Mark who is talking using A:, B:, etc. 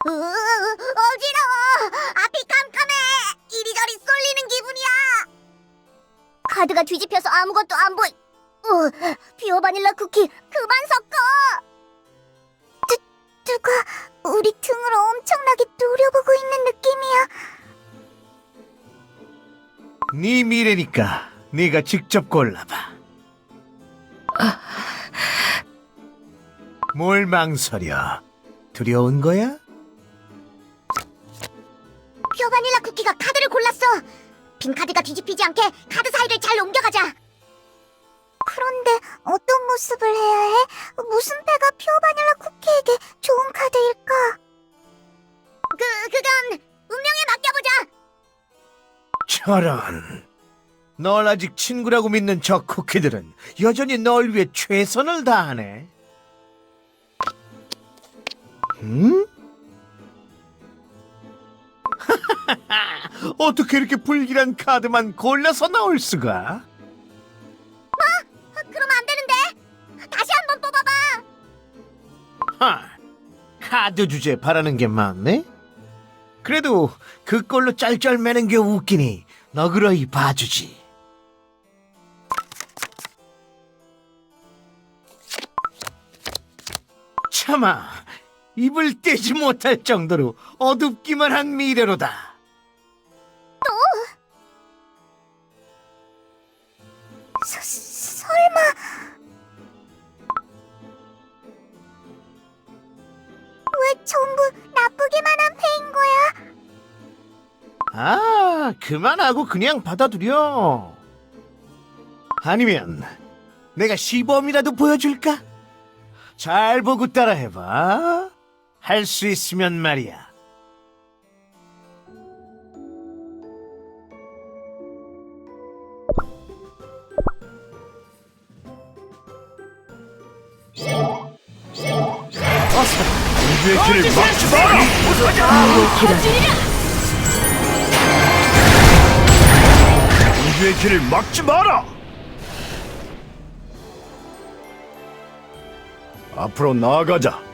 A: 어지러워. 앞이 깜깜해. 이리저리 쏠리는 기분이야. 카드가 뒤집혀서 아무것도 안 보이. 퓨어 바닐라 쿠키 그만 섞어. 누가 우리 등을 엄청나게 노려보고 있는 느낌이야.
B: 네 미래니까 네가 직접 골라봐. 뭘 망설여? 두려운 거야?
A: 퓨어 바닐라 쿠키가 카드를 골랐어. 빈 카드가 뒤집히지 않게 카드 사이를 잘 옮겨가자. 그런데 어떤 모습을 해야 해? 무슨 패가 퓨어 바닐라 쿠키에게 좋은 카드일까? 그건 운명에 맡겨보자.
B: 저런, 널 아직 친구라고 믿는 저 쿠키들은 여전히 널 위해 최선을 다하네. 응? 어떻게 이렇게 불길한 카드만 골라서 나올 수가?
A: 그럼 안 되는데. 다시 한번 뽑아봐.
B: 카드 주제 바라는 게 많네? 그래도 그걸로 짤짤매는 게 웃기니 너그러이 봐주지. 참아, 입을 떼지 못할 정도로 어둡기만 한 미래로다.
A: 설마 왜 전부 나쁘게만 한 패인 거야?
B: 그만하고 그냥 받아들여. 아니면 내가 시범이라도 보여줄까? 잘 보고 따라해봐. 할 수 있으면 말이야.
C: 우주의 길을 막지 마라! 우주의 길을 막지 마라! 앞으로 나아가자.